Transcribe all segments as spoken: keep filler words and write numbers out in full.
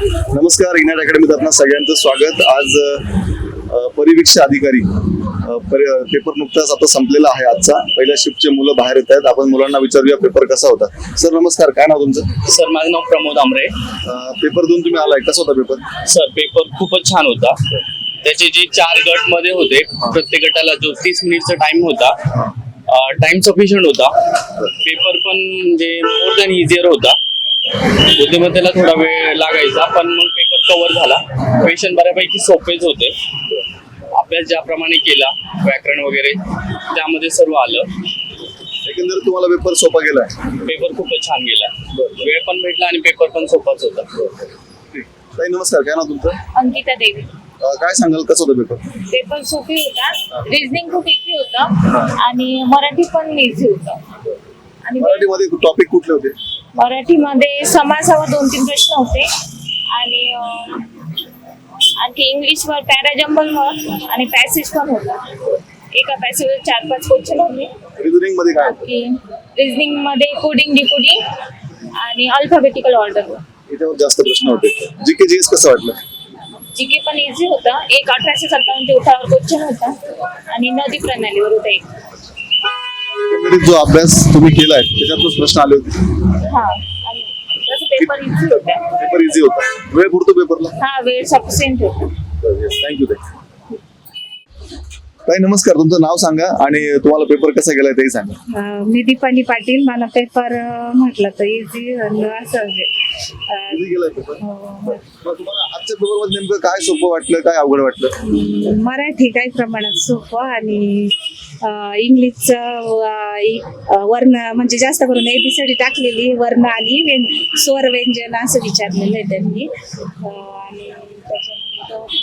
नमस्कार, इग्नाइट अकॅडमीत आपणा सगळ्यांचं स्वागत. आज अ, परिवीक्षा अधिकारी अ, परि- पेपर नुकताच आता संपलेला आहे. आजचा पहिल्या शिफ्टचे मुलं बाहेर येत आहेत. आपण मुलांना विचारूया पेपर कसा होता. सर नमस्कार, काय नाव तुमचं? सर माझं नाव प्रमोद आमरे. अ, पेपर देऊन तुम्ही आलाय, कसा होता पेपर? सर पेपर खूपच छान होता. त्याचे जे चार गट मध्ये होते, प्रत्येक गटाला जो तीस मिनिटचा टाइम होता, टाइम सफिशियंट होता. पेपर पण म्हणजे मोर दॅन इझियर होता. बुद्धिमत्तेला थोडा वेळ लागायचा, पण मग पेपर कव्हर झाला. क्वेश्चन बऱ्यापैकी सोपेच होते. अभ्यास ज्याप्रमाणे केला, व्याकरण वगैरे त्यामध्ये सर्व आलं. एकंदरीत तुम्हाला पेपर सोपा गेलाय? पेपर खूपच छान गेला. वेळ पण भेटला आणि पेपर पण सोपाच होता. ताई नमस्कार, काय नाव तुमचं? अंकिता देवी. अ, काय सांगाल, कसं होतं पेपर? पेपर सोपी होता, रिझनिंग खूप इझी होतं आणि मराठी पण इझी होतं. आणि मराठीमध्ये टॉपिक कुठले होते? मराठीमध्ये समासावर दोन तीन प्रश्न होते आणि अं, आणखी इंग्लिशवर पॅराजंबलवर आणि पॅसेज पण होता. एका पॅसेजवर चार पाच क्वेश्चन होते. रिझनिंग मध्ये काय होतं? की रिझनिंग मध्ये कोडिंग डिकोडिंग आणि अल्फाबेटिकल ऑर्डर. याच्यावर जास्त प्रश्न होते. जी के जी एस कसं वाटलं? जीके पण इझी होता. एक अठराशे सत्तावन्नच्या उठावर क्वेश्चन होता आणि नदी प्रणालीवर होता एक. एकंदरीत जो अभ्यास तुम्ही केलाय त्याच्यातूनच प्रश्न आले होते. हा आणि तसं पेपर इझी होता. पेपर इझी होता. वेळ पुरतो पेपरला? हा वेळ सफिशियंट होता. थँक्यू ताई. ताई नमस्कार, तुमचं नाव सांगा आणि तुम्हाला पेपर कसा गेलाय तेही सांगा. अं, मी दीपाली पाटील. मला पेपर अं, म्हटलं तर इझी असं म्हणजे अं, Easy गेलाय पेपर? हो, मग तुम्हाला आजच्या पेपर मध्ये नेमकं काय सोपं वाटलं, काय अवघड वाटलं? मराठी काही प्रमाणात सोपं आणि अं, इंग्लिशचं अं, इ- अं, वर्ण म्हणजे जास्त करून एबीसीडी टाकलेली, वर्ण आणि व्यं स्वर व्यंजन असं विचारलेलं आहे त्यांनी. अं, आणि त्याच्यानंतर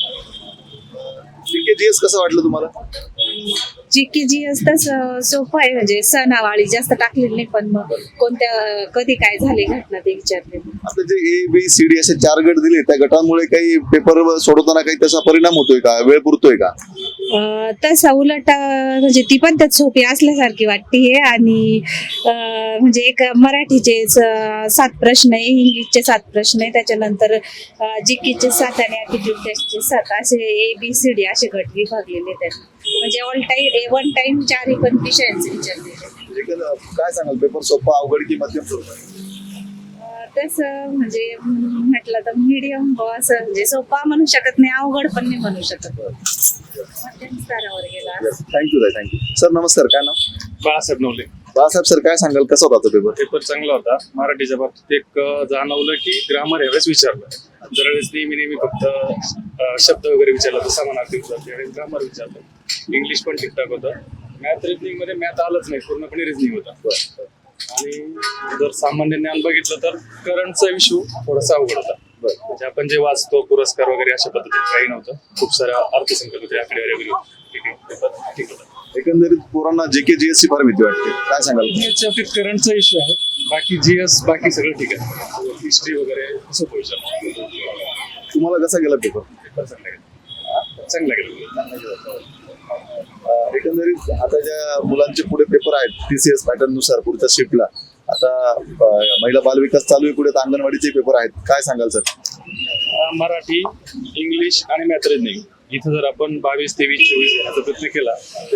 जी के जी एस कसं वाटलं तुम्हाला? जी के जी असतं सोपं आहे, म्हणजे सणावाळी जास्त टाकलेली नाही, पण मग कोणत्या कधी काय झाले घटना ते विचारले. आपले जे ए बी सी डी असे चार गट दिले, त्या गटांमुळे काही पेपर सोडवताना काही त्याचा परिणाम होतोय का? वेळ पुरतोय का? अं, तसा उलट अं, म्हणजे ती पद्धत सोपी असल्यासारखी वाटते. आणि अं, म्हणजे एक मराठीचे स- सात प्रश्न आहे, इंग्लिशचे सात प्रश्न आहे, त्याच्यानंतर जीकेचे सात आणि ॲप्टिट्यूड टेस्टचे सात, असे ए बी सी डी असे गट विभागलेले आहेत. म्हणजे ऑल टाईम वन टाइम चारही पण विषयांचे विचारलेले. एकंदर काय सांगाल, पेपर सोपा, अवघड की मध्यम स्वरूप? अं, तसं म्हणजे म्हटलं तर मीडियम असं, म्हणजे सोपा म्हणू शकत नाही, अवघड पण नाही म्हणू शकत, मध्यम स्तरावर गेला. थँक्यू ताई, थँक्यू. सर नमस्कार, काय नाव? बाळासाहेब नवले. बाळासाहेब सर, काय सांगाल, कसा होता तो पेपर? पेपर चांगला होता. मराठीच्या बाबतीत एक अं, जाणवलं की ग्रामर यावेळेस विचारलं. दरवेळेस नेहमी नेहमी फक्त अं, शब्द वगैरे विचारलं तर समानार्थी होतं, त्यावेळेस ग्रामर विचारलं. इंग्लिश पण ठीकठाक होतं. मॅथ रिजनिंग मध्ये मॅथ आलंच नाही, पूर्णपणे रिजनिंग होता. आणि जर सामान्य ज्ञान बघितलं तर करंटचा इश्यू थोडासा अवघड होता. म्हणजे आपण जे वाचतो पुरस्कार वगैरे अशा पद्धतीने काही नव्हतं. खूप साऱ्या अर्थसंकल्प आकडेवारी वगैरे होते. ठीक आहे, पेपर ठीक होता. एकंदरीत पोरांना जे के जी एस ची फार भीती वाटते, काय सांगाल? याच्या बाबतीत करंटचा इश्यू आहे. बाकी जी एस बाकी सगळं ठीक आहे. हिस्ट्री वगैरे असं विचार. तुम्हाला कसा गेला पेपर? पेपर चांगला गेला. चांगला गेला. अं, एकंदरीत आता ज्या मुलांचे पुढे पेपर आहेत टी सी एस पॅटर्न नुसार पुढच्या शिफ्टला, आता अं, महिला बालविकास चालू आहे, पुढे अंगणवाडीचे पेपर आहेत, काय सांगाल सर? अं, मराठी, इंग्लिश आणि मॅथ रिजनिंग इथं जर आपण बावीस तेवीस चोवीस घेण्याचा प्रयत्न केला तर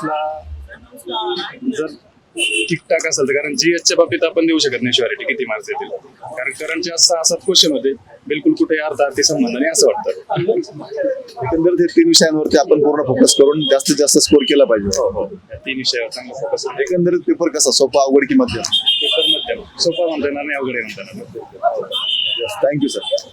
जीएसला जर ठीकठाक असेल तर, कारण जीएसच्या बाबतीत आपण देऊ शकत नाही शुअरिटी किती मार्क्स येतील, कारण करंटचे सहा सात क्वेश्चन होते, बिलकुल कुठे अर्थार्थी संबंध नाही असं वाटतं. एकंदरीत हे तीन विषयांवरती आपण पूर्ण फोकस करून जास्तीत जास्त स्कोर केला पाहिजे. हो हो या तीन विषयावर चांगला फोकस आहे. एकंदरीत पेपर कसा, सोपा, अवघड की मध्यम? पेपर मध्यम, सोपा म्हणता येणार नाही, अवघड म्हणता येणार. Thank you sir.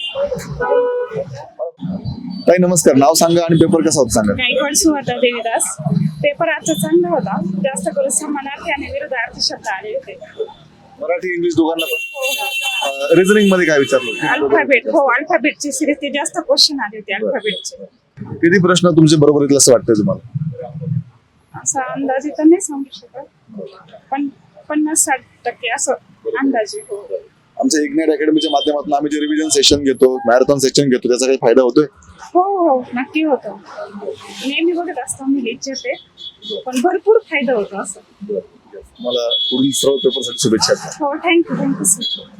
ताई नमस्कार, नाव सांगा आणि पेपर कसा होता सांगा. गायकवाड सुवाता देवीदास. पेपर आजचा चांगला होता. जास्त करून समानार्थी आणि विरुद्धार्थी शब्द आले होते. मराठी इंग्लिश दोघांना पण? रिझनिंग मध्ये काय विचारलं? अल्फाबेट, हो अल्फाबेटची सिरीज ते जास्त क्वेश्चन आले होते अल्फाबेटचे. किती प्रश्न तुमचे बरोबर येतील असं वाटतंय तुम्हाला? असा अंदाजे तर नाही सांगू शकत, पण पन्नास साठ टक्के असं अंदाजे. हो आमच्या इग्नाइट अकॅडमीच्या माध्यमातून आम्ही जे रिव्हिजन सेशन घेतो, मॅरेथॉन सेशन घेतो, त्याचा काही फायदा होतोय? हो हो नक्की होतो. नेहमी बघत असतो मी लेक्चर, ते पण भरपूर फायदा होतो असं. मला पुढील सर्व पेपरसाठी शुभेच्छा. हो थँक्यू थँक्यू सर.